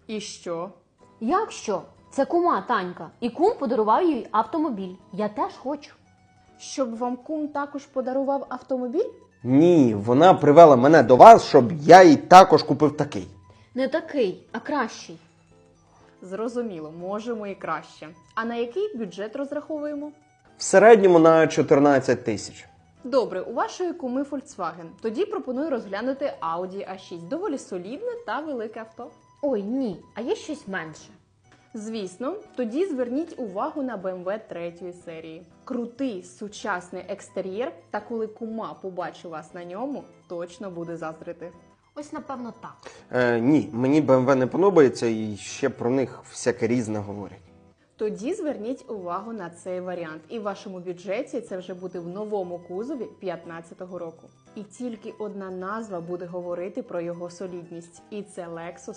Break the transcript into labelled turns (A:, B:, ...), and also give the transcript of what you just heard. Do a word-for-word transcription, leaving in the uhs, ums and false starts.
A: І що?
B: Як що? Це кума Танька. І кум подарував їй автомобіль. Я теж хочу.
A: Щоб вам кум також подарував автомобіль?
C: Ні, вона привела мене до вас, щоб я їй також купив такий.
B: Не такий, а кращий.
A: Зрозуміло, можемо і краще. А на який бюджет розраховуємо?
C: В середньому на чотирнадцять тисяч.
A: Добре, у вашої куми Volkswagen. Тоді пропоную розглянути Audi а шість. Доволі солідне та велике авто.
B: Ой, ні, а є щось менше.
A: Звісно, тоді зверніть увагу на бе ем ве третьої серії. Крутий сучасний екстер'єр, та коли кума побачить вас на ньому, точно буде заздрити.
B: Ось, напевно, так.
C: Е, ні, мені бе ем ве не подобається і ще про них всяке різне говорять.
A: Тоді зверніть увагу на цей варіант. І в вашому бюджеті це вже буде в новому кузові п'ятнадцятого року. І тільки одна назва буде говорити про його солідність. І це Lexus